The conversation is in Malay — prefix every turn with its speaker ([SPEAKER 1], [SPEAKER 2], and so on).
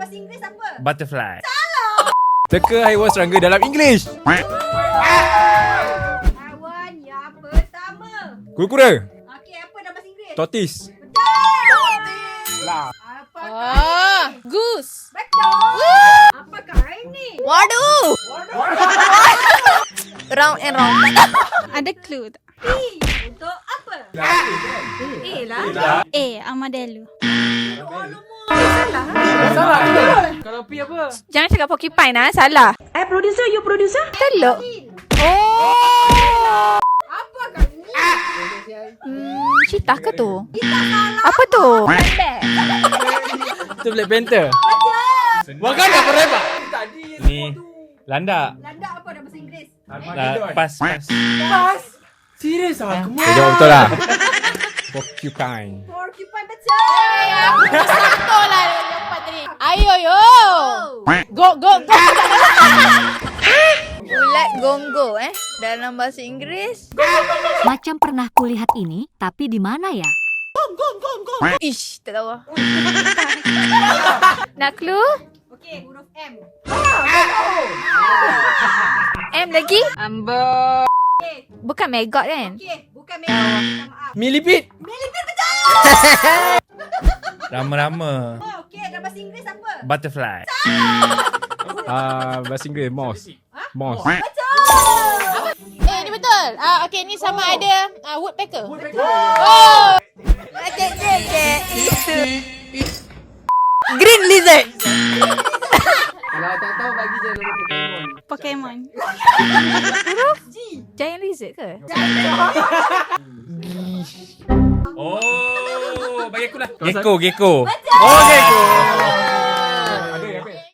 [SPEAKER 1] bahasa Inggeris apa?
[SPEAKER 2] Butterfly.
[SPEAKER 3] Teka haiwan serangga dalam English.
[SPEAKER 1] Haiwan yang pertama.
[SPEAKER 3] Kura-kura.
[SPEAKER 1] Okey, apa dalam bahasa Inggeris?
[SPEAKER 3] Tortoise.
[SPEAKER 1] Apakah
[SPEAKER 4] Goose.
[SPEAKER 1] betul? Apakah ini?
[SPEAKER 4] Waduh. Round and round.
[SPEAKER 5] Ada clue tak?
[SPEAKER 1] P untuk apa? A lah.
[SPEAKER 5] A. Armadillo.
[SPEAKER 6] Kalau P apa?
[SPEAKER 4] Jangan cakap porcupine lah, salah.
[SPEAKER 1] Producer, you producer?
[SPEAKER 4] Teluk. Oh.
[SPEAKER 1] Apakah ini?
[SPEAKER 4] Cheetah ke tu? Apa tu?
[SPEAKER 6] Itu Black Panther. Wakanda forever.
[SPEAKER 2] Ni landak.
[SPEAKER 1] Landak apa dalam bahasa Inggeris?
[SPEAKER 2] Pas.
[SPEAKER 6] Serius ah?
[SPEAKER 3] Saya jawab betul lah. Porcupine.
[SPEAKER 1] Porcupine betul.
[SPEAKER 4] Betul lah jawapan tadi. Ayo yo. Go. Ulat gonggo dalam bahasa Inggeris.
[SPEAKER 7] Macam pernah kulihat ini, tapi di mana ya?
[SPEAKER 4] Ish, tak tahu. Nak clue?
[SPEAKER 1] Okey, huruf M.
[SPEAKER 4] M lagi? Bukan maggot kan?
[SPEAKER 1] Okey, bukan merah. Minta maaf.
[SPEAKER 6] Millipede.
[SPEAKER 2] Rama-rama.
[SPEAKER 1] Oh, okey, dalam bahasa Inggeris apa?
[SPEAKER 2] Butterfly.
[SPEAKER 3] Bahasa Inggeris moss. Moss.
[SPEAKER 4] Ni betul. Okey, ni sama ada woodpecker. Oh. Itu. Green lizard.
[SPEAKER 6] Kalau tak tahu bagi je nama Pokemon.
[SPEAKER 5] Pokemon.
[SPEAKER 4] Giant lizard ke?
[SPEAKER 2] Oh, bagi aku lah. Gecko. Oh, gecko.